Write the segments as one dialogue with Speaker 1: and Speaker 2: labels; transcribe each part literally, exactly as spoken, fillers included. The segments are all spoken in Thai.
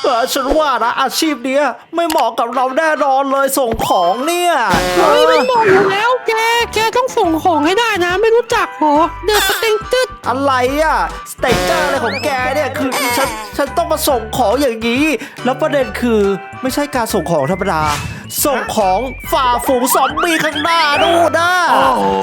Speaker 1: เออฉันว่านะอาชีพเนี้ยไม่เหมาะกับเราแน่นอนเลยส่งของเนี่ยเอ
Speaker 2: เฮ้ย
Speaker 1: อ
Speaker 2: ไม่บอกอยู่แล้วแกแกต้องส่งของให้ได้นะไม่รู้จักเหรอเดอะสเต็งตึ๊ด
Speaker 1: อะไรอะสเต็กเกอร์อะไรของแกเนี่ยคือฉันฉันต้องมาส่งของอย่างนี้ แล้วประเด็นคือไม่ใช่การส่งของธรรมดา ส่งของฝ่าฝูงซอมบี้ข้างหน้านู่นนะ
Speaker 3: โอ้โห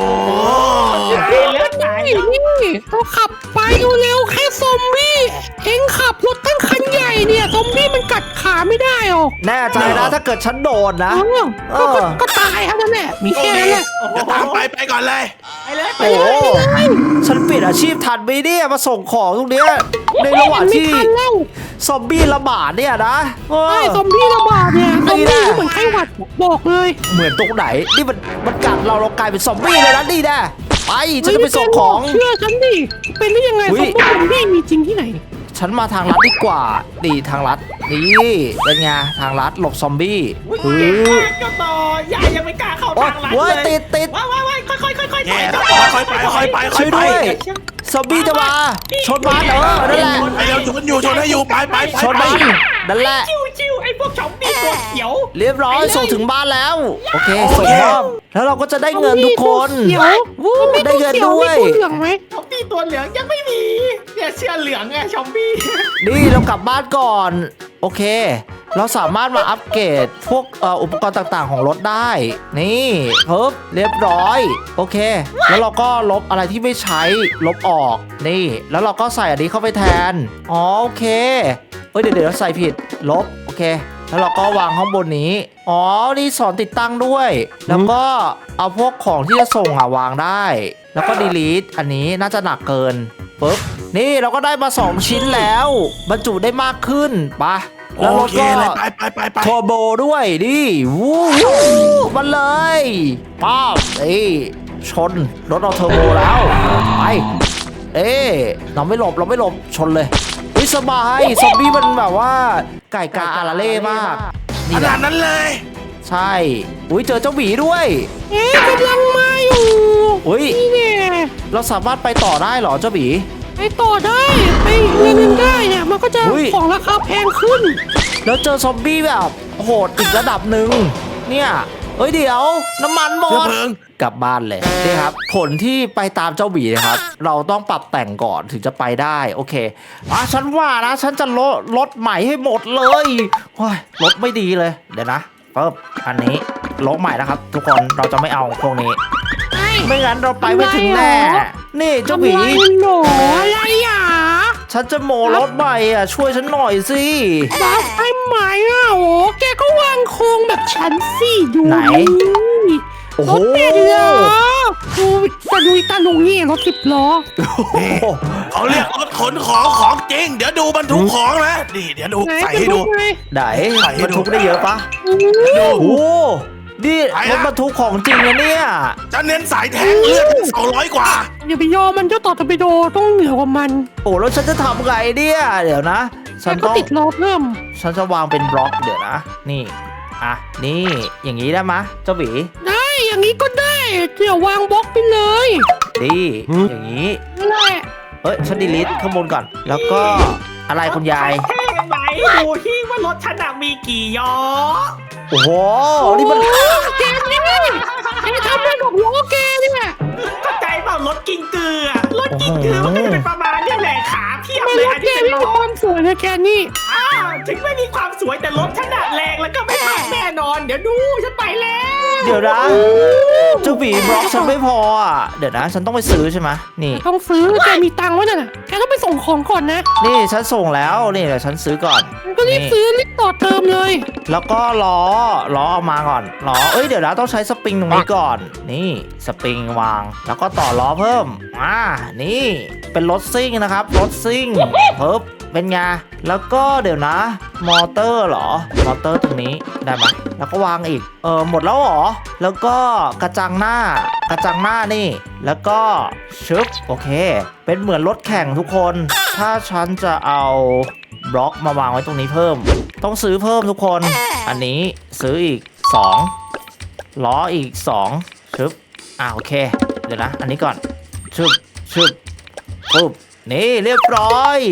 Speaker 2: นี่นี่เราขับไปเร็วๆแค่ซอมบี้เอ็งขับรถตั้งคันใหญ่เนี่ยซอมบี้มันกัดขาไม่ได้หรอก
Speaker 1: แน่ใจนะถ้าเกิดฉันโดนนะ
Speaker 2: เออ
Speaker 1: เอ
Speaker 2: ก็
Speaker 1: อ
Speaker 2: ก็ก็ตายเท่านั้นแหละมี
Speaker 3: โอ
Speaker 2: แค่
Speaker 3: เค
Speaker 2: นั้นแหละ
Speaker 3: เดี๋ยวตามไปไปก่อนเลย
Speaker 4: ไปเลยไป
Speaker 1: โอ้
Speaker 4: เล
Speaker 1: โห
Speaker 4: ย
Speaker 1: ฉันเปลี่ยนอาชีพทันไหมเนี่ยมาส่งของตรงเนี้ยในระหว่าง
Speaker 2: ไม่
Speaker 1: ที่
Speaker 2: ทันแล้ว
Speaker 1: ซอมบี้ระบาดเนี่ยนะเออ
Speaker 2: ไอ้ซอมบี้ระบาดเนี่ยซอม
Speaker 1: นี่
Speaker 2: บี้
Speaker 1: แหละ
Speaker 2: เหมือนไข้หวัดบอกเลย
Speaker 1: เหมือนตรงไหนนี่มันมันกัดเราเรากลายเป็นซอมบี้เลยนะนี่แน่ไปฉันจะไปส่งของ
Speaker 2: เชื่อฉันดิเป็นได้ยังไง
Speaker 1: อุ๊
Speaker 2: ซอย มบี้มีจริงที่ไหน
Speaker 1: ฉันมาทางลัดดีกว่าดีทางลัดนี่เป็นไงทางลัดหลบซอมบี้
Speaker 4: อุ้ย
Speaker 1: เฮ้
Speaker 4: เก่ง
Speaker 1: ย
Speaker 4: มากเจ้าต่อยายยังไม่กล้าเข้า
Speaker 1: โอ๊ย
Speaker 4: ทางลัด
Speaker 1: เว้ย
Speaker 4: เลย
Speaker 1: ติดติด
Speaker 4: ว้ายว้ายว้ายค่อยค่อยค่อยค่อย
Speaker 3: แย่
Speaker 4: เจ้า
Speaker 3: ค่อยไปค่อยไปค่
Speaker 1: ช่
Speaker 3: อ
Speaker 1: วย ย
Speaker 3: ไป
Speaker 1: ด้วยซอมบี้จะมาชนบ้านเออนั่นแหละ
Speaker 3: ไปเร็วชนอยู่ชนให้อยู่ไปไปไป
Speaker 1: ชน
Speaker 3: ไป
Speaker 1: บ้านนั่นแหละ
Speaker 4: ชิวชิวไอ้พวกชอมบี้ตัวเขียว
Speaker 1: เรียบร้อยส่งถึงบ้านแล้วโอเคส่งมอบแล้วเราก็จะได้เงินทุกคน
Speaker 2: เขียว
Speaker 1: วู้
Speaker 2: ซอมบี้
Speaker 1: ได้
Speaker 2: ตัว
Speaker 1: เงิน
Speaker 2: เขียว
Speaker 1: ด้ว
Speaker 2: มี
Speaker 1: ย
Speaker 2: ตัวเหลืองไหม
Speaker 4: ชอมบี้ตัวเหลืองยังไม่มีเนี่ยเสื้อเหลืองไงชอมบี้
Speaker 1: นี่เรากลับบ้านก่อนโอเค เราสามารถมาอัปเกรดพวกเอ่ออุปกรณ์ต่างๆของรถได้ นี่ปึ๊บเรียบร้อยโอเค แล้วเราก็ลบอะไรที่ไม่ใช้ลบออกนี่ แล้วเราก็ใส่อันนี้เข้าไปแทนอ๋อโอเคเอ้ยเดี๋ยวเดี๋ยวใส่ผิดลบโอเค แล้วเราก็วางข้างบนนี้อ๋อนี่สอนติดตั้งด้วย แล้วก็เอาพวกของที่จะส่งอ่ะวางได้ แล้วก็ delete อันนี้น่าจะหนักเกินปึ๊บนี่เราก็ได้มาสองชิ้นแล้วบรรจุได้มากขึ้นไปะแล้ว
Speaker 3: โอ
Speaker 1: รถ
Speaker 3: เค
Speaker 1: ก็
Speaker 3: เลยไปไปไปไป
Speaker 1: โทโบด้วยดิวู้วู้มันเลยป้าบเอ้ยชนรถเราเทอร์โบแล้วไปเอ๊ะเราไม่หลบเราไม่หลบชนเลยวิสบายซอมบี้มันแบบว่าไก่กาอาราเล่มาก
Speaker 3: ข
Speaker 1: นี่
Speaker 3: นา
Speaker 1: นะ
Speaker 3: ดนั้นเลย
Speaker 1: ใช่อุ้ยเจอเจ้าหมีด้วย
Speaker 2: เอ๊ะกำลังมาอยู่
Speaker 1: อุ้ย
Speaker 2: นี่เนี่ย
Speaker 1: เราสามารถไปต่อได้เหรอเจ้าหมี
Speaker 2: ไปต่อได้ไปเรียนนึงได้เนี่ยมันก็จะ
Speaker 1: อุ๊ย
Speaker 2: ของราคาแพงขึ้น
Speaker 1: แล้วเจอซอมบี้แบบโหดอีกระดับหนึ่งเนี่ยเอ้ยเดี๋ยวน้ำมันหม
Speaker 3: เชื้อ
Speaker 1: ด
Speaker 3: เพลิง
Speaker 1: กลับบ้านเลยนี่ครับผลที่ไปตามเจ้าหมีนะครับ เราต้องปรับแต่งก่อนถึงจะไปได้โอเคอ่ะฉันว่านะฉันจะลดรถใหม่ให้หมดเลยโอ้ยรถไม่ดีเลยเดี๋ยวนะปึ๊บอันนี้รถใหม่นะครับ ทุกคนเราจะไม่เอาพวกนี้
Speaker 2: ไอ้
Speaker 1: ไม่งั้นเราไปไม่ถึงแน่
Speaker 2: ทำไมหรอ
Speaker 1: นี่เจ้าหมี
Speaker 2: ทำไมหนออะไรอ่ะ
Speaker 1: ฉันจะโมรถใหม่อ่ะช่วยฉันหน่อยสิ
Speaker 2: บัฟให้ไหมอ่ะโอ้แกก็วางโครงแบบฉันสิดู
Speaker 1: ไหน
Speaker 2: นี่
Speaker 1: โอ้
Speaker 2: ร
Speaker 1: โห
Speaker 2: ถเป็นเหรอดูตาลุยตาลุยรถสิบล้อ
Speaker 3: นี่เขาเรียกรถขนของของจริง เดี๋ยวดูบรรทุกของนะนี่เดี๋ยวดู
Speaker 2: ไหน
Speaker 3: ใส่
Speaker 2: จะ
Speaker 3: ให้ดู
Speaker 2: ไง
Speaker 1: ไหน
Speaker 3: ใส่ให้
Speaker 1: บรร
Speaker 3: ดู
Speaker 1: ทุกได้เยอะปะ
Speaker 2: อู้
Speaker 3: ดู
Speaker 1: โอ้โหนี่
Speaker 3: ไป
Speaker 1: ร
Speaker 3: ละ
Speaker 1: ถบรรทุกของจริงนะเนี่ย
Speaker 3: จะเน้นสายแทงเลือดสองร้อยกว่า
Speaker 2: อย่าไปยอมมันเจ้าต่อตะไปโดต้องเหนือกว่ามัน
Speaker 1: โอ้แล้วฉันจะทำไงเนี่ยเดี๋ยวนะ
Speaker 2: แก
Speaker 1: ฉัน
Speaker 2: ก็
Speaker 1: ต้อง
Speaker 2: ติดล้อเพิ่ม
Speaker 1: ฉันจะวางเป็นบล็อกเดี๋ยวนะ นี่อ่ะนี่อย่างนี้ได้ไหมะเจ้าหวี
Speaker 2: ได้อย่างนี้ก็ได้เดี๋ยววางบล็อกไปเลย
Speaker 1: ดีอย่างนี้
Speaker 2: นั่นแหละ
Speaker 1: เอ้ยฉันดีลิทข้างบนก่อน แล้วก็อะไรคุณยาย
Speaker 4: แท่งไหนดูที่ว่ารถฉันน่ะมีกี่ย้อ
Speaker 1: โอ้โหนี่มัน
Speaker 2: โอ้แกนี่แกทำได้ดอกล้อแกเนี่ย
Speaker 4: เข้าใจเปล่ารถกินเกลือรถกินเกลือมันก็จะเป็นประมาณเนี้แหละขาเพียบ
Speaker 2: ไม่
Speaker 4: เลย
Speaker 2: ร
Speaker 4: อั
Speaker 2: ถ
Speaker 4: น
Speaker 2: แก
Speaker 4: นี้เป็น
Speaker 2: ไม่
Speaker 4: ล้
Speaker 2: มี
Speaker 4: อ
Speaker 2: ความสวยนะแกนี่
Speaker 4: อ้าวถึงไม่มีความสวยแต่รถฉันน่ะแรงแล้วก็ไม่พังแน่นอน เดี๋ยวดูฉันไปแล้ว
Speaker 1: เดี๋ยวนะเจ้าหวีบล็อกฉันไม่พออ่ะเดี๋ยวนะ ฉันต้องไปซื้อใช่ไหมนี่
Speaker 2: ต้องซื้อแกมีตังค์ไว้น่ะแกต้องไปส่งของก่อนนะ
Speaker 1: นี่ฉันส่งแล้วนี่เดี๋ยวฉันซื้อก่อน
Speaker 2: มันก็รีบซื้อรีบต่อเติมเลย
Speaker 1: แล้วก็ล้อล้อเอามาก่อนล้อเอ้ยเดี๋ยวนะต้องใช้สปริงตรงนี้ก่อน นี่สปริงวาง แล้วก็ต่อล้อเพิ่มอ่านี่เป็นรถซิ่งนะครับรถซิ่งเพิ่มเป็นไงแล้วก็เดี๋ยวนะ มอเตอร์เหรอมอเตอร์ตรงนี้ได้ไหมแล้วก็วางอีกเออหมดแล้วเหรอแล้วก็กระจังหน้ากระจังหน้านี่ แล้วก็ชึบโอเค เป็นเหมือนรถแข่งทุกคน ถ้าฉันจะเอาบล็อกมาวางไว้ตรงนี้เพิ่ม ต้องซื้อเพิ่มทุกคน อันนี้ซื้ออีกสองล้ออีกสองชึบอ่าโอเค เดี๋ยวนะ อันนี้ก่อนชึบชึบปุ๊บนี่เรียบร้อย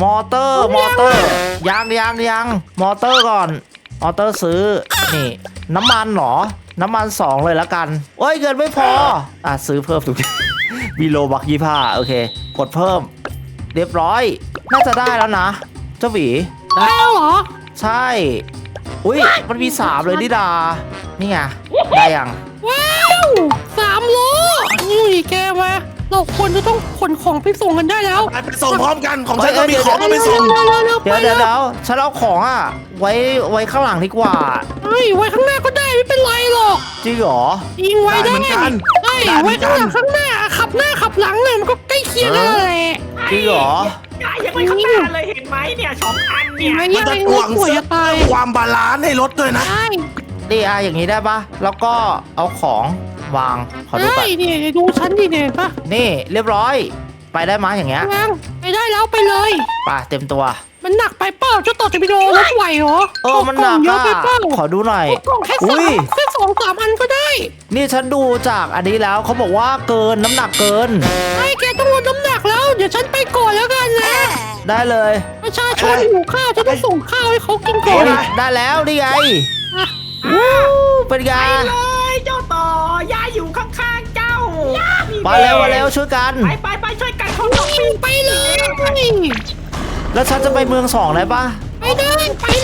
Speaker 1: มอเตอร์มอเตอร์ยังยังยังมอเตอร์ก่อนมอเตอร์ซื้อนี่น้ำมันเหรอน้ำมันสองเลยละกันโอ้ยเงินไม่พออ่ะซื้อเพิ่มถูก วีโลบักยี่ห้าโอเคกดเพิ่มเรียบร้อยน่าจะได้แล้วนะเจ้าหวี
Speaker 2: ได้แล้วเหรอ
Speaker 1: ใช่อุ้ยมันมีสามเลยดิดานี่ไงได้ยัง
Speaker 2: ว้าวสามโลนี่แกมาเราควรจะต้องขนของไปส่งกันได้แล้ว
Speaker 3: ไปไปส่งพร้อมกันของฉันก็มีของมาไปส่ง
Speaker 1: เดี๋ยวเดี๋ยวเดี๋ยวฉันเอาของอ่ะไว้ไว้ข้างหลังดีกว่า
Speaker 2: เฮ้ยไว้ข้างหน้าก็ได้ไม่เป็นไรหรอก
Speaker 1: จริงเหรอ
Speaker 2: ยิงไว้ได้
Speaker 3: ได้เหมือนกัน
Speaker 2: ไอ้
Speaker 3: ได้เหมื
Speaker 2: ไว้
Speaker 3: อนกั
Speaker 2: ข้าน งหลังข้างหน้าขับหน้าขับหลังเนี่ยมันก็ใกล้เคียงกันแหละ
Speaker 1: จริงเหรอ
Speaker 4: ยายยังไม่ข้างหน้าเลยเห็นไหมเนี่ยสองอัน
Speaker 2: เห็
Speaker 4: เนี่
Speaker 2: น
Speaker 4: ย
Speaker 2: ไหม
Speaker 3: มัน
Speaker 2: เนี่ย
Speaker 3: จะ
Speaker 2: ไอ้
Speaker 3: ก
Speaker 2: งู
Speaker 3: วาง
Speaker 2: ป่วย
Speaker 3: เสื้อ
Speaker 2: จะตาย
Speaker 3: ความบาลานซ์ให้รถด้วยนะ
Speaker 2: ใช่
Speaker 1: ดีอาอย่างนี้ได้ปะแล้วก็เอาของวางขอดู
Speaker 2: ใช่
Speaker 1: ก่อน
Speaker 2: เนี่ยดูฉันดิเนี่ยปะ
Speaker 1: นี่เรียบร้อย ไปได้ไหมอย่างเงี้ย
Speaker 2: ยังไปได้แล้วไปเลย
Speaker 1: ไปเต็มตัว
Speaker 2: มันหนักไปเปล่าเจ้าต่อจะไปโดนรถไหวเหรอ
Speaker 1: เออมันหนัก
Speaker 2: เยอะ
Speaker 1: อ่ะ
Speaker 2: ไปเปล่า
Speaker 1: ขอดูหน่อย
Speaker 2: กล่องแค่สา
Speaker 1: อุ้
Speaker 2: ม
Speaker 1: ย
Speaker 2: แค่สองสามอันก็ได้
Speaker 1: นี่ฉันดูจากอันนี้แล้วเขาบอกว่าเกินน้ำหนักเกิน
Speaker 2: ไอ้แกต้องลดน้ำหนักแล้ว เดี๋ยวฉันไปก่อนแล้วกันนะ
Speaker 1: ได้เลย
Speaker 2: ประชาชนหิวข้าวฉันต้องส่งข้าวให้เขากินก่อ
Speaker 1: โอ้
Speaker 2: น
Speaker 1: ยได้แล้วนี่ไง
Speaker 2: อ่ะ
Speaker 1: วู้เป็นไง
Speaker 4: ไปเลยเจ้าต่อยายอยู่ข้างๆเจ้า
Speaker 1: มาเร็วมาเร็วช่วยกัน
Speaker 4: ไปไปไปช่วยกันเขาต้อง
Speaker 2: วิ่งไปเลย
Speaker 1: แล้วฉันจะไปเมืองสองได้ปะ
Speaker 2: ไปเลยไปเลย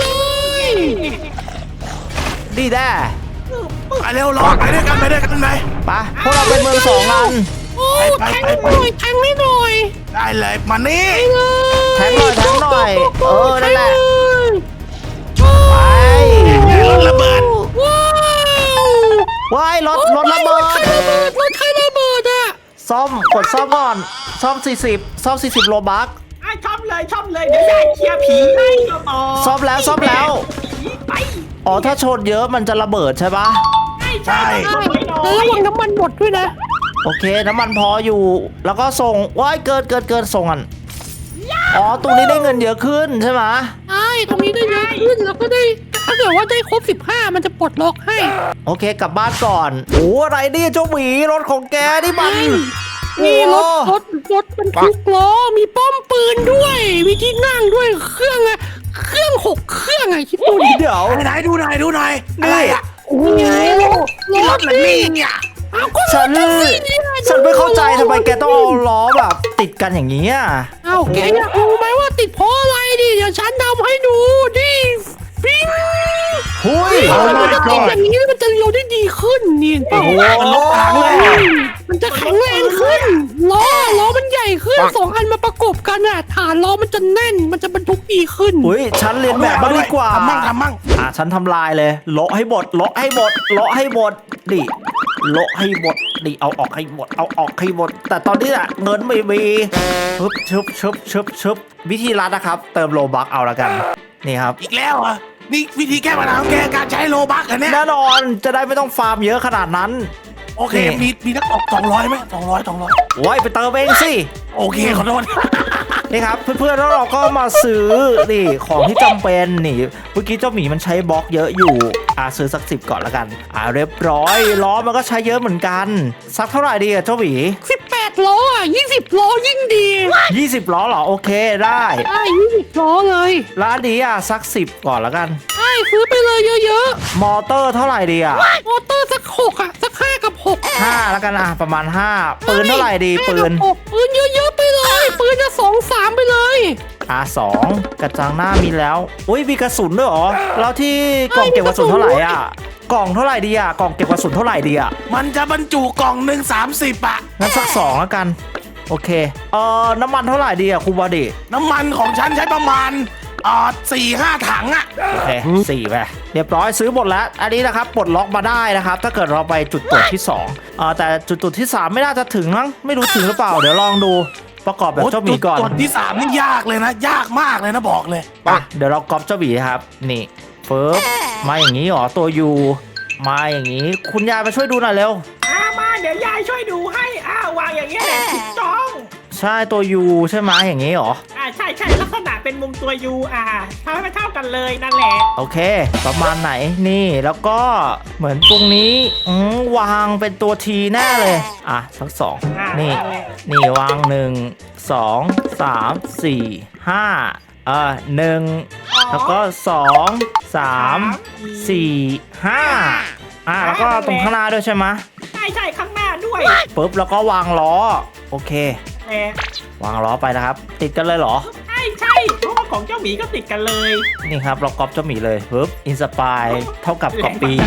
Speaker 1: ดีแด้
Speaker 3: ไปเร็วรอไปด้วยกันไปด้วยกันไป
Speaker 1: ไปพวกเราไปเมืองสองกัน
Speaker 2: โอ้แทงไม่หน่อยแทงไม่หน่อย
Speaker 3: ได้เลยมานี่
Speaker 1: แทงหน่อยแทงหน่อยเออนั่นแหละ
Speaker 2: ไป
Speaker 1: ไป
Speaker 3: รถระเบิด
Speaker 2: ว้าว
Speaker 1: ว้ายรถรถระเบิด
Speaker 2: รถใครระเบิดรถใครระเบิดอ่ะ
Speaker 1: ซ่อมกดซ่อมก่อนซ่อมสี่สิบซ่อมสี่สิบโลบัก
Speaker 4: อ่ะชอบเลยชอบเลยเดี๋ยวยายเคลียร์ผีให้เจ้าต่อ
Speaker 1: ซ่อมแล้วซ่อมแล้ว
Speaker 4: ผีไป
Speaker 1: อ๋อถ้าชนเยอะมันจะระเบิดใช่ปะ
Speaker 4: ใช่ใช่
Speaker 2: ใช่
Speaker 4: ไม่น้อ
Speaker 2: แล้ว
Speaker 4: ย
Speaker 2: ระวังน้ำมันหมดด้วยนะ
Speaker 1: โอเคน้ำมันพออยู่ แล้วก็ส่งว้ายเกินเกินเกินส่งอันอ๋อตรงนี้ได้เงินเยอะขึ้นใช่ไหม
Speaker 2: ใช่ตรงนี้ได้เยอะขึ้นแล้วก็ได้ถ้าเกิดว่าได้ครบสิบห้ามันจะปลดล็อกให้
Speaker 1: โอเคกลับบ้านก่อนโอ้อะไรเนี่ยเจ้าหมีรถของแกนี่มัน
Speaker 2: นี่รถ
Speaker 1: โอ้
Speaker 2: รถรถบรรทุกล้อมีป้อมปืนด้วย มีที่นั่งด้วยเครื่องอะเครื่องหกเครื่องอะคิดดูดิ
Speaker 1: เดี๋ยว
Speaker 3: ไหนดูหน่อยดูหน่อยอะไรอ่ะ
Speaker 2: โอ้ยรถ
Speaker 3: นี่รถเหรอนี่เนี่ย
Speaker 2: เอาก็ร
Speaker 1: ฉั
Speaker 2: ถ
Speaker 1: น
Speaker 2: แท็กซี่เนี่ย
Speaker 1: ฉันไม่เข้าใจทำไมแกต้องเอาล้อแบบติดกันอย่างนี้อ่ะ
Speaker 2: เอาแกอยากรู้ไหมว่าติดเพราะอะไรดิเดี๋ยวฉันทำให้ดูดิปิ้ง
Speaker 1: หุย
Speaker 2: มันจะติดอย่างนี้มันจะเลี้ยวได้ดีขึ้นนี่เห็นเปล่า
Speaker 1: โอ้โห
Speaker 3: มันรถถังเลยอะ
Speaker 2: มันจะแข็งแรงขึ้นล้อล้อมันใหญ่ขึ้นสองอันมาประกบกันอ่ะฐานล้อมันจะแน่นมันจะบรรทุกดีขึ้น
Speaker 1: อุ้ยฉันเรียนแบบบ้างดีกว่า
Speaker 3: ทำมั่งทำมั่ง
Speaker 1: อ่ะฉันทำลายเลยโละให้หมดโละให้หมดโละให้หมดดิโละให้หมดดิเอาออกให้หมดเอาออกให้หมด แต่ตอนนี้อะเงินไม่มีชึบชึบชึบชึบชึบวิธีรัดนะครับ เติมโลบักเอาละกันนี่ครับ
Speaker 3: อีกแล้วเหรอนี่วิธีแก้ปัญหาของแกการใช้โลบักเหรอเนี่ย
Speaker 1: แน่นอนจะได้ไม่ต้องฟาร์มเยอะขนาดนั้น
Speaker 3: โอเค
Speaker 1: นี่
Speaker 3: มีมีนักตกสองร้อยไหมสองร้อยสองร้อย
Speaker 1: โอ้ยไปเติมเองสิ
Speaker 3: โอเคขอโทษ
Speaker 1: นี่ครับเพื่อนๆแล้วเราก็มาซื้อนี่ของที่จำเป็นนี่เมื่อกี้เจ้าหมีมันใช้บล็อกเยอะอยู่อ่าซื้อสักสิบก่อนละกันอ่าเรียบร้อยล้อมันก็ใช้เยอะเหมือนกันสักเท่าไหร่ดีอะเจ้าหมี
Speaker 2: สิบแปดล้ออ่ะยี่สิบล้อยิ่งดี
Speaker 1: ยี่สิบล้อเหรอโอเคได้
Speaker 2: ใช่ยี่สิบล้อเลย
Speaker 1: ร้านนี้อ่ะสักสิบก่อนละกัน
Speaker 2: ใช่ซื้อไปเลยเยอะ
Speaker 1: มอเตอร์เท่าไหร่ดีอ่ะ
Speaker 2: ๆมอเตอร์สักหกอ่ะสักห้ากับหก
Speaker 1: ห้าละกันอ่ะประมาณห้าปืนเท่าไหร่ดีปืน
Speaker 2: ห้ากับหกปืนเยอะๆไปเลยปืนจะสองสามไปเลย
Speaker 1: อ่ะสองกระจังหน้ามีแล้วอุ้ยมีกระสุนด้วยเหรอแล้วที่กล่องเก็บกระสุนเท่าไหร่อ่ะกล่องเท่าไหร่ดีอ่ะกล่องเก็บกระสุนเท่าไหร่ดีอ่ะ
Speaker 3: มันจะบรรจุกล่องหนึ่งสามสิบอะ
Speaker 1: งั้นสักสองแล้วกัน โอเค เอ่อ น้ำมันเท่าไหร่ดีอะครูบอดี้
Speaker 3: น้ำมันของฉันใช้ประมาณอ่าสี่ห้าถังอะ
Speaker 1: โอเคสี่ไปเรียบร้อยซื้อหมดแล้ว อันนี้นะครับปลดล็อกมาได้นะครับ ถ้าเกิดเราไปจุดตรวจที่สองเอ่อแต่จุดตรวจที่สามไม่น่าจะถึงมั้งไม่รู้ถึงหรือเปล่า เดี๋ยวลองดูประกอบแบบเจ้าหมีก่อน
Speaker 3: โจุดที่สามนี่ยากเลยนะ ยากมากเลยนะบอกเลย
Speaker 1: ไปเดี๋ยวเราก๊อปเจ้าหมีครับ นี่เฟิร์บมาอย่างนี้เหรอตัวยูมาอย่างนี้ คุณยายมาช่วยดูหน่อยเร็ว
Speaker 4: อ่ามาเดี๋ยวยายช่วยดูให้อ่าวางอย่างเงี้ยแหละถูกต้อง
Speaker 1: ใช่ตัวยูใช่ไหมอย่างนี้เหรอ
Speaker 4: อ่าใช่ใช่ลักษณะเป็นมุมตัวยูอ่าทำให้มันเท่ากันเลยนั่นแหละ
Speaker 1: โอเค ประมาณไหนนี่แล้วก็เหมือนตรงนี้อืมวางเป็นตัวทีแน่เลยอ่ะสักสอง
Speaker 4: อ่า
Speaker 1: นี่
Speaker 4: แหละ
Speaker 1: นี่วางหนึ่งสองสามสี่ห้าเออหนึ่งแล้วก็สองสามสี่ห้าอ่าแล้วก็ตรงข้างหน้าด้วยใช่ไหม
Speaker 4: ใช่ใช่ข้างหน้าด้วย
Speaker 1: ปุ๊บแล้วก็วางล้อโอเค
Speaker 4: แหม
Speaker 1: วางล้อไปนะครับ ติดกันเลยเหรอ
Speaker 4: ใช่ใช่เพราะว่าของเจ้าหมีก็ติดกันเลย
Speaker 1: นี่ครับเราก๊อปเจ้าหมีเลยปึ๊บอินสปายเท่ากับก๊อปปี้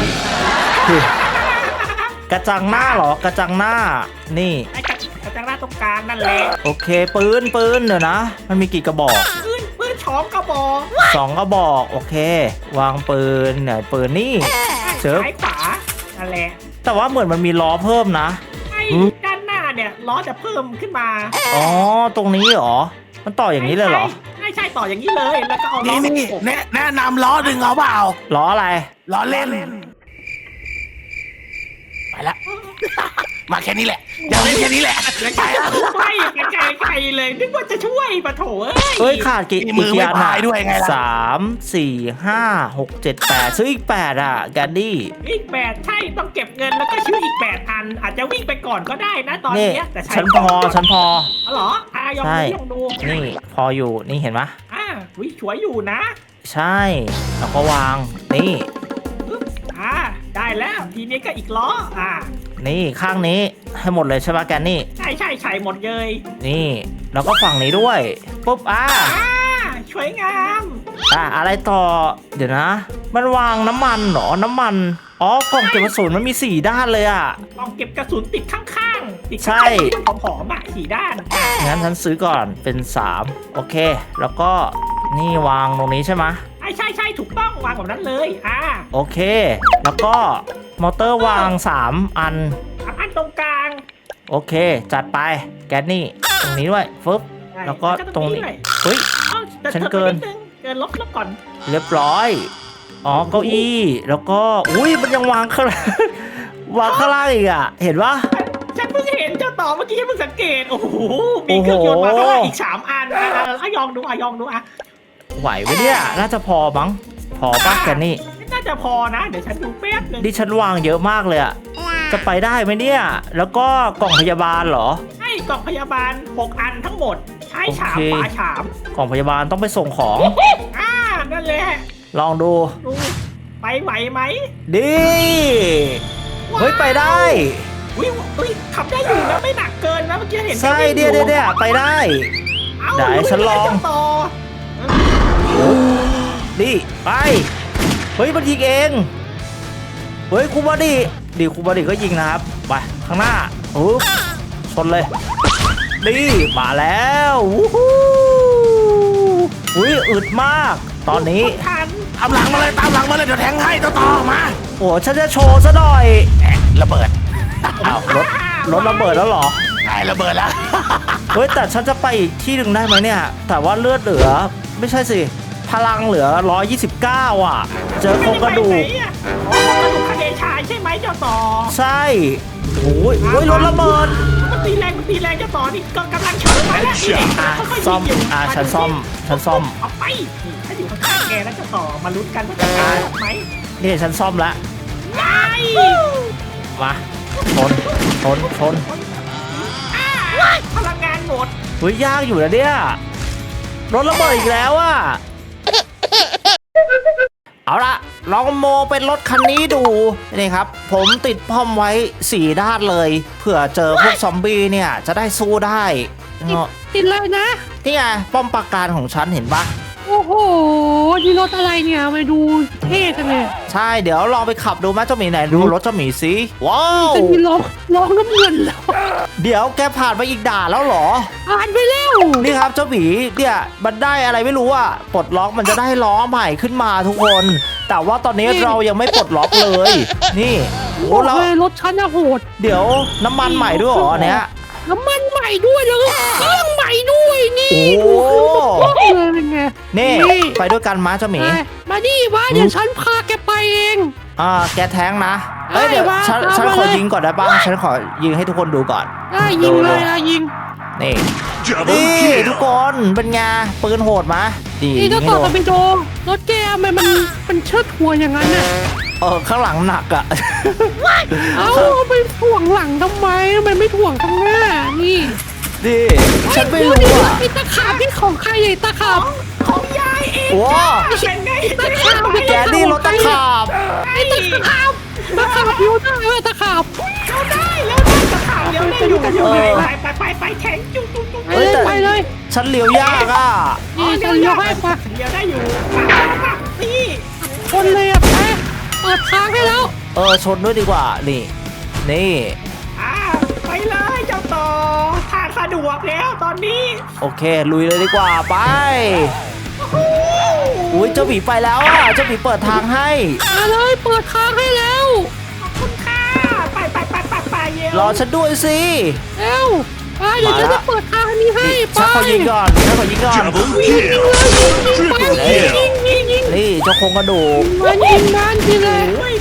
Speaker 1: กระจังหน้าเหรอกระจังหน้านี่
Speaker 4: ไอ้กระกระจังหน้าตรงกลางนั่นแหละ
Speaker 1: โอเคปืนปืนเดี๋ยวนะ มันมีกี่กระบอก
Speaker 4: ปืนปืนช้องกระบอก
Speaker 1: สองกระบอกโอเค วางปืนไหนปืนนี่เจอ
Speaker 4: ซ้ายขวานั่นแหละ
Speaker 1: แต่ว่าเหมือนมันมีล้อเพิ่มนะ
Speaker 4: ไอ้ด้านหน้าเนี่ยล้อจะเพิ่มขึ้นมา
Speaker 1: อ๋อตรงนี้เหรอมันต่ออย่างนี้เลยเหรอ
Speaker 4: ใช่ใช่ต่ออย่างนี้เลยแล้วก็เอาล้
Speaker 3: นี่
Speaker 4: อ
Speaker 3: นี่
Speaker 4: มาโขก
Speaker 3: แนะแนะนำล้อดึงเอาเปล่า
Speaker 1: ล้ออะไร
Speaker 3: ล้อเล่น ไปละ มาแค่นี้แหละ อยากเล่นแค่นี้แหละ
Speaker 4: แล้ว
Speaker 3: ไป
Speaker 4: ก็
Speaker 3: ละ
Speaker 4: ช่วยไกลๆไกลๆเลยนึกว่าจะช่วยปะโถเอ้
Speaker 1: เอ้
Speaker 4: ย
Speaker 1: ยขาดกี่
Speaker 3: มีมือ
Speaker 1: กี่
Speaker 3: ไม่
Speaker 1: อัน
Speaker 3: พายด้วยไงล่ะ
Speaker 1: สามสี่ห้าหกเจ็ดแปดซื้ออีกแปดอ่ะแกนดี้
Speaker 4: อีกแปดใช่ต้องเก็บเงินแล้วก็ชื่ออีกแปดอัน อาจจะวิ่งไปก่อนก็ได้นะตอน
Speaker 1: นี่
Speaker 4: เนี้ยแต่ใช้
Speaker 1: ฉันพอฉันพอ
Speaker 4: อ๋อเหรออ่ะยอง
Speaker 1: ใช่
Speaker 4: ดูยองดู
Speaker 1: นี่พออยู่นี่เห็นไหม
Speaker 4: อ่าวิช่วยอยู่นะ
Speaker 1: ใช่แล้วก็วางนี่
Speaker 4: ปึ๊บอ่าได้แล้วทีนี้ก็อีกล้ออ่า
Speaker 1: นี่ข้างนี้ให้หมดเลยใช่ปะแกนนี่
Speaker 4: ใช่ใช่ใช่หมดเลย
Speaker 1: นี่แล้วก็ฝั่งนี้ด้วยปุ๊บอ่า
Speaker 4: อ่าสวยงาม
Speaker 1: อ่าอะไรต่อเดี๋ยวนะ มันวางน้ำมันเหรอน้ำมันอ๋อกล่องเก็บกระสุนมันมีสี่ด้านเลยอ่ะ
Speaker 4: กล่องเก็บกระสุนติดข้างๆติด
Speaker 1: ใช่
Speaker 4: ข้างๆที่มันผอมๆอ่ะสี่ด้านอ่ะ
Speaker 1: งั้นฉันซื้อก่อนเป็นสามโอเค แล้วก็นี่วางตรงนี้ใช่ไหม
Speaker 4: ใช่ใช่ใช่ถูกต้องวางแบบนั้นเลยอ่า
Speaker 1: โอเค แล้วก็มอเตอร์วางสามอัน
Speaker 4: สามอันตรงกลาง
Speaker 1: โอเค จัดไปแกนนี่ตรงนี้ด้วยฟึบ
Speaker 4: ใช่
Speaker 1: แล้วก็ตรงนี้
Speaker 4: ด้วย
Speaker 1: เฮ้ย
Speaker 4: เอ้าจะ
Speaker 1: ฉัน
Speaker 4: ธอ
Speaker 1: เกิน
Speaker 4: ไปดงเกินลบลบก่อน
Speaker 1: เรียบร้อยอ๋อเก้าอี้แล้วก็อุ้ยมันยังวางข้าง วางข้างล่างอีกอ่ะเห็นปะ
Speaker 4: ฉันเพิ่งเห็นเจ้าต่อเมื่อกี้ฉันเพิ่งสังเกตโอ้โหมีเครื่องยนต์มาข้างล่างอีกสามอันอ่ะอ่ะอ่ะยองดูอ่ะยองดูอ่ะ
Speaker 1: ไหวไหมเนี่ยน่าจะพอมั้งพอปะแกนนี่
Speaker 4: น่าจะพอนะเดี๋ยวฉันดูแป๊บนึง
Speaker 1: ดิฉันวางเยอะมากเลยอะจะไปได้ไหมเนี่ย แล้วก็กล่องพยาบาลเหรอ
Speaker 4: ให้กล่องพยาบาลหกอันทั้งหมดใช้ฉาบ
Speaker 1: โอเค
Speaker 4: ฝาฉาบ
Speaker 1: กล่องพยาบาลต้องไปส่งของ
Speaker 4: อ่านั่นแหละ
Speaker 1: ลองดู
Speaker 4: ดูไปไหวไหม
Speaker 1: ดีเฮ้ยไปได้
Speaker 4: อุ้ยอุ้ยขับได้อยู่นะไม่หนักเกินนะเมื่อกี้เห็น
Speaker 1: ใช่เดียวเดียวเดียวไปได้
Speaker 4: เอ้า
Speaker 1: ได้ฉันลอง
Speaker 4: เจ้าต่อ
Speaker 1: ดีไปเฮ้ยมันยิงเองเฮ้ยคูบอดี้ดีคูบอดี้ก็ยิงนะครับไปข้างหน้าอุ๊บชนเลยดีมาแล้ววู้ฮู้อุ้ยอึดมาก ตอนนี้
Speaker 4: ทัน
Speaker 3: ตามหลังมาเลยตามหลังมาเลยเดี๋ยวแทงให้ต่อต่อมา
Speaker 1: โอ้ฉันจะโชว์ซะหน่อย
Speaker 3: แอะระเบิด
Speaker 1: อ้าวรถรถระเบิดแล้วเหรอ
Speaker 3: ได้ระเบิดแล้ว
Speaker 1: เฮ้ยแต่ฉันจะไปอีกที่หนึ่งได้ไหมเนี่ย แต่ว่าเลือดเหลือไม่ใช่สิ พลังเหลือหนึ่งร้อยยี่สิบเก้าอ่ะ เจอโครงกระดูก
Speaker 4: ไม่ไไหนอะอ๋อกระดูกคาเดชายใช่ไหมเจ้าต่อ
Speaker 1: ใช่โอ้ยโอ้ยรถระเบิด
Speaker 4: มันตีแรงมันตีแรงเจ้าต่อนี่ก็กำลังชนมาแล้วนี่
Speaker 1: อ่ะ
Speaker 4: ค่อยๆ
Speaker 1: ซ่อม
Speaker 4: ยิงยู่
Speaker 1: อ่ะฉันซ่อมฉันซ่อม
Speaker 4: เอาไปนี่ถ้าอยู่ข้างๆแกแล้วเจ้าต่อมาลุ้นกันว่าจะตายไหม
Speaker 1: นี่ฉันซ่อมแล้ว
Speaker 4: ไล่
Speaker 1: มาชนชนชน
Speaker 4: อ่าพลังงานหมด
Speaker 1: เฮ้ยยากอยู่นะเนี่ยรถระเบิดอีกแล้วอ่ะเอาละลองโมเป็นรถคันนี้ดูนี่ครับ ผมติดป้อมไว้สี่ด้านเลย เผื่อเจอพวกซอมบี้เนี่ยจะได้สู้ได้เนาะ
Speaker 2: ติดเลยนะ
Speaker 1: นี่ไงป้อมปราการของฉันเห็นปะ
Speaker 2: โอ้โหนี่รถอะไรเนี่ยมาดูเท่จังเลย
Speaker 1: ใช่เดี๋ยวลองไปขับดูไหมเจ้าหมีไหนดูรถเจ้าหมีสิว้าว
Speaker 2: จะมีล้อล้อน้ำเงินแล้ว
Speaker 1: เดี๋ยวแกผ่านไปอีกด่านแล้วเหรอ
Speaker 2: อ่านไปแล้ว
Speaker 1: นี่ครับเจ้าหมีเนี่ยมันได้อะไรไม่รู้อ่ะปลดล็อกมันจะได้ล้อใหม่ขึ้นมาทุกคน แต่ว่าตอนนี้เรายังไม่ปลดล็อกเลย นี่โอ้
Speaker 2: โอ้
Speaker 1: แล้ว
Speaker 2: ยรถฉันอะโหด
Speaker 1: เดี๋ยวน้ำมันใหม่ด้วยเหรออันเนี้ย
Speaker 2: น้ำมันใหม่ด้วยแล้วก็เครื่องใหม่ด้วยนี่
Speaker 1: โอ้
Speaker 2: ดูเครื่องเลยเป็นไง
Speaker 1: นี่ไปด้วยกันมาเจ้าหมี
Speaker 2: ไปมาดิว่าเดี๋ยวฉันพาแกไปเอง
Speaker 1: อ่าแกแท้งนะเอ้ยเดี๋ยว
Speaker 2: ได้
Speaker 1: ฉัน
Speaker 2: มา
Speaker 1: ฉัน
Speaker 2: เอา
Speaker 1: ขอ
Speaker 2: มาเลย
Speaker 1: ยิงก่อนได้ป่ะฉันขอยิงให้ทุกคนดูก่อน
Speaker 2: ได้ยิงเลยนะยิง
Speaker 1: นี่นี่ทุกคนเป็นไงปืนโหดมะดี
Speaker 2: นี่
Speaker 1: ยิ
Speaker 2: ถ้าง
Speaker 1: ให้
Speaker 2: ต่อ
Speaker 1: โด
Speaker 2: กัน
Speaker 1: น
Speaker 2: ไปโดรถแกทำไมมันมันเชิดหัวอย่างนั้นน่ะ
Speaker 1: เออข้างหลังหนักอ่ะ
Speaker 2: เอ้าไปถ่วงหลังทำไมทำไมไม่ถ่วงข้างหน้านี่
Speaker 1: นี่ฉันไม่รู้อ่ะ
Speaker 2: ไอ้ตะขาบที่ของใครไอ้ตะขาบ
Speaker 4: ของยายเอง
Speaker 1: ว้า
Speaker 4: เป็นไง
Speaker 2: ตะขาบ
Speaker 1: แกนี่รถตะขาบ
Speaker 4: ไอ้ตะขาบ
Speaker 2: ตะขาบอยู่ได้เออตะขาบ
Speaker 4: เราได้แล้วได้ตะขาบเดี๋ยวได้อยู่กันอยู่ไปไปไปไปแข็งจุ๊บจุ๊บจุ๊บ
Speaker 2: ไปเลยไปเลย
Speaker 1: ฉันเลี้ยวยากอ่ะ
Speaker 2: นี่จะเลี้ยวให้ไป
Speaker 4: เดี๋ยวได้อยู่นี่
Speaker 2: คนเลยอ่ะไปเปิดทางให้แล้ว
Speaker 1: เออชนด้วยดีกว่านี่นี่
Speaker 4: อ่าไปเลยเจ้าต่อทางสะดวกแล้วตอนนี้
Speaker 1: โอเคลุยเลยดีกว่าไปอุ้ยเจ้าหมีไปแล้วอ่ะเจ้าหมีเปิดทางให้
Speaker 2: มาเลยเปิดทางให้แล้ว
Speaker 4: ขอบคุณค่ะไปไปไปไปไปเยว
Speaker 1: รอฉันด้วยสิ
Speaker 2: เร็วไปเดี๋ยวฉันจะเปิดทางอันนี้ให้ไป
Speaker 1: ฉันขอยิงก่อนฉันขอยิงก่อน
Speaker 3: Double kill
Speaker 2: ไป
Speaker 3: Triple
Speaker 2: ยิง
Speaker 3: kill
Speaker 2: ยิงยิง
Speaker 1: นี่เจ้าโครงกระดูก
Speaker 2: มันยิงมันทีเลย
Speaker 4: โอ้ย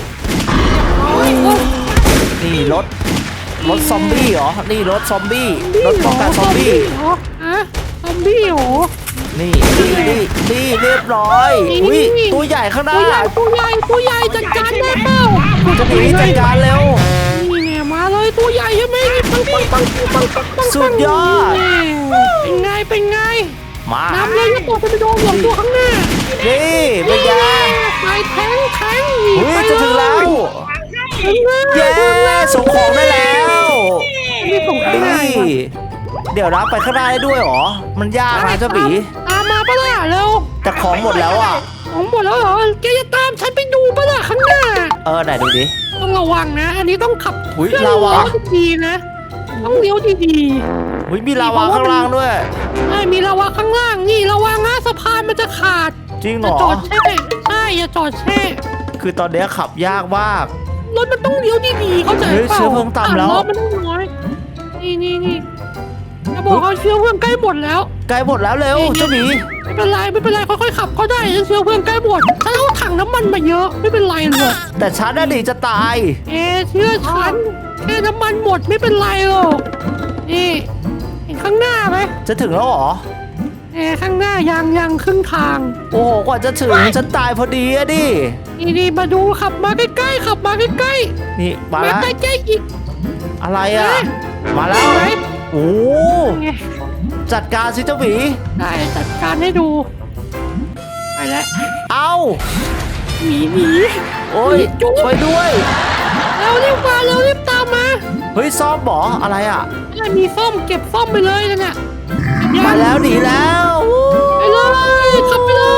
Speaker 1: นี่รถรถซอมบี้เหรอนี่รถซอมบี้รถป้องกันซอมบี้
Speaker 2: เหรอฮะซอมบี้เหรอ
Speaker 1: นี่นี่นี่นี่เรียบร้อยอุ้ยตัวใหญ่ข้างหน้า
Speaker 2: ตัวใหญ่ตัวใหญ่ตัวใหญ่จัดการได้เปล่า
Speaker 1: เจะหนีจัดการเร็ว
Speaker 2: นี่เนี่ยมาเลยตัวใหญ่ใช่ไหมนี่ปังปังปังปังปังปัง
Speaker 1: สุดยอด
Speaker 2: เป็นไงเป็นไง
Speaker 1: มา
Speaker 2: น้ำเลยจะตกไปโดนหลงตัวข้างหน้า
Speaker 1: นี่เป็นไง
Speaker 2: ไปแทงแทง
Speaker 1: อุ้ยจะถึงแล้ว
Speaker 2: ถึงแล้ว
Speaker 1: เย้ส่งของได้แล้ว
Speaker 2: นี่ส่งข้างหน้า
Speaker 1: นี่เดี๋ยวรับไปข้างหน้าได้ด้วยเหรอมันยากนะเจ้าบี
Speaker 2: ตามมาปะล่ะเร็ว
Speaker 1: แต่ของหมดแล้วอ่ะ
Speaker 2: ของหมดแล้วเหรอแกจะตามฉันไปดูปะล่ะข้างหน้า
Speaker 1: เออไหนดูดิ
Speaker 2: ต้องระวังนะ อันนี้ต้องขับ
Speaker 1: อุ๊ย
Speaker 2: เครื่อง
Speaker 1: ลาวา
Speaker 2: ดีๆนะ ต้องเลี้ยวดี
Speaker 1: อุ้ยมีลาวาข้างล่างด้วย
Speaker 2: ๆไอ้มีลาวาข้างล่างนี่ระวังนะสะพานมันจะขาด
Speaker 1: จริงเห
Speaker 2: อ
Speaker 1: ร
Speaker 2: ย่า
Speaker 1: อ
Speaker 2: จอดแช่ใช่อย่าจอดแช่
Speaker 1: คือตอนเนี้ยขับยากมาก
Speaker 2: รถมันต้องเลี้ยวดีๆเข้าใจ
Speaker 1: เฮ้ย
Speaker 2: เปล่า
Speaker 1: เชื้อเพลิงต่ำแล้ว
Speaker 2: รถมันต้องน้อยนี่นี่นี่จะบอกเขาเชื้อเพลิงใกล้หมดแล้ว
Speaker 1: ใกล้หมดแล้วเร็วเจ้าหมี
Speaker 2: ไม่เป็นไรไม่เป็นไรค่อยๆขับก็ได้เชื้อเพลิงใกล้หมดฉันเอาถังน้ำมันมาเยอะไม่เป็นไรหรอก
Speaker 1: แต่ฉันน่ะดิจะตาย
Speaker 2: เอ๊ะเชื่อฉันแค่น้ำมันหมดไม่เป็นไรหรอกนี่เห็นข้างหน้าไหม
Speaker 1: จะถึงแล้วเหรอ
Speaker 2: เอ๊ะข้างหน้ายังยังครึ่งทาง
Speaker 1: โอ้โหกว่าจะถึงฉันตายพอดีอะดิ
Speaker 2: นี่นี่มาดูขับมาใกล้ๆขับมาใกล้
Speaker 1: นี่มา
Speaker 2: ๆมา
Speaker 1: แล้ว
Speaker 2: ใกล้ๆอีก
Speaker 1: อะไรอ่ะ มาแล้ว
Speaker 2: ไหน
Speaker 1: โอ้
Speaker 2: ไง
Speaker 1: จัดการสิเจ้าหมี
Speaker 2: ได้จัดการให้ดูไปแล้ว
Speaker 1: เอ้า
Speaker 2: หนีหนี
Speaker 1: โอ้ย
Speaker 2: จุ๊บ
Speaker 1: ไปด้วย
Speaker 2: เร็วรีบมาเร็วรีบตามมา
Speaker 1: เฮ้ยซ่อมบออะไรอ่ะ
Speaker 2: อะไรมีส้มเก็บส้มไปเลยนั่นน่ะ
Speaker 1: มาแล้วหนีแล้วอู้
Speaker 2: ไปเลยขับไปเลย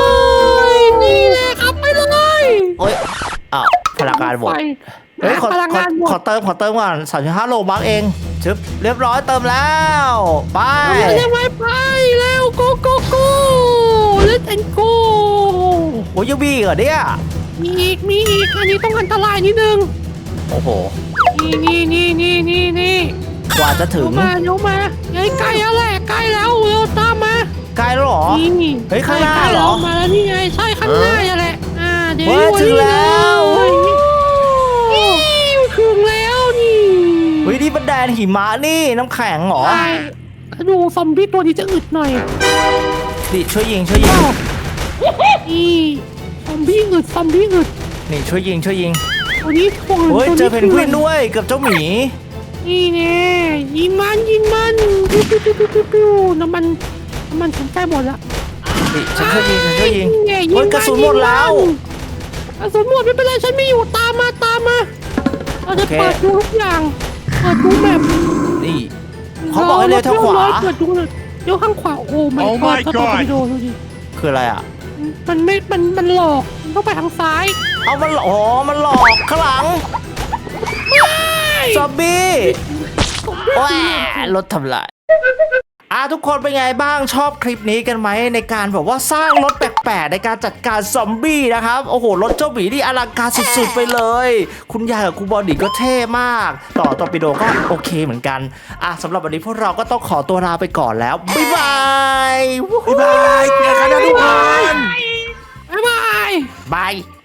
Speaker 2: นี่แหละขับไปเลย
Speaker 1: โอ้ยอ้าวพลังงานหมด
Speaker 2: ไป
Speaker 1: เฮ้ยขอ
Speaker 2: พลัง
Speaker 1: ของ
Speaker 2: านหม
Speaker 1: ขอ
Speaker 2: ด
Speaker 1: เติมขอเติมก่อนสามสิบห้าโลบักเองชึบเรียบร้อยเติมแล้ว ไป
Speaker 2: ไปเร็วไปไปเร็วโกโกโก้ let's and go
Speaker 1: โอ้ยยังมีอีกเหรอเนี่ย
Speaker 2: มีอีกมีอีกอันนี้ต้องอันตรายนิดนึง
Speaker 1: โอ้โห
Speaker 2: นี่นี่นี่นี่นี่นี่
Speaker 1: กว่าจะถึ
Speaker 2: เดี๋ย
Speaker 1: ง
Speaker 2: วมาเดี๋ยวมาเฮ้ยใกล้แล้วแหละใกล้แล้วเร็วตามมา
Speaker 1: ใกล้แล้วเหรอ
Speaker 2: นี่
Speaker 1: เฮ้ยข้างหน้า
Speaker 2: ใกล้ๆ
Speaker 1: เหรอ
Speaker 2: แล้วมาแล้วนี่ไงใช่ข้างหน้าอย่าแหละอ่าเดี๋ยว
Speaker 1: เฮ้ยถึงแล้ว
Speaker 2: นี่ถึงแล้วนี่
Speaker 1: เฮ้ยนี่มันแดนหิมะนี่น้ำแข็งเหรอ
Speaker 2: ใช่ดูซอมบี้ตัวนี้จะอึดหน่อย
Speaker 1: นี่ช่วยยิงช่วยยิง
Speaker 2: นี่ซอมบี้อึดซอมบี้อึด
Speaker 1: นี่ช่วยยิงช่วยยิง
Speaker 2: ตัวนี้ทวง
Speaker 1: เฮ้ย
Speaker 2: ตัว
Speaker 1: เจอเพนกวินด้วยเกับเจ้าหมี
Speaker 2: นี่แน่ยิงมันยิงมันปิ้วปิ้วปิ้วปิ้วปิ้วปิ้วน้ำมันน้ำมันถึงใกล้หมดละ
Speaker 1: นี่ฉันช่วยยิงฉันช่วยยิง
Speaker 2: นี่ไง
Speaker 1: เฮ้ยกระสุนหมดแล้ว
Speaker 2: กระสุนหมดไม่เป็นไรฉันไม่อยู่ตามมาตามมาเราจะ
Speaker 1: โอเค
Speaker 2: เปิดดูทุกอย่างเปิดดูแบบ
Speaker 1: นี่เขาบอกให้เลี้ยวทางขวา
Speaker 2: เปิดดูเลยเลี้ยวข้างขวาโอ้ไม่
Speaker 3: Oh
Speaker 2: ก็
Speaker 3: my
Speaker 2: ถ้าตัว
Speaker 3: God
Speaker 2: ไปดูดูดิ
Speaker 1: คืออะไรอ่ะ
Speaker 2: มันไม่มันมันหลอกมันต้องไปทางซ้าย
Speaker 1: เอามันอ๋อมันหลอกข้างหลังซอมบี้แหวรถทำลายอ่ะทุกคนเป็นไงบ้างชอบคลิปนี้กันไหมในการแบบว่าสร้างรถแปลกๆในการจัดการซอมบี้นะครับโอ้โหรถเจ้าหมีนี่อลังการสุดๆไปเลย คุณยายกับคุณบอดี้ก็เท่มาก ต่อตอร์ปิโดก็โอเคเหมือนกันอ่ะสำหรับวันนี้พวกเราก็ต้องขอตัวลาไปก่อนแล้วบ๊ายบายวู้ฮู้
Speaker 3: บ๊ายบายเจอกันนะทุกคน
Speaker 2: บ๊ายบาย
Speaker 1: บาย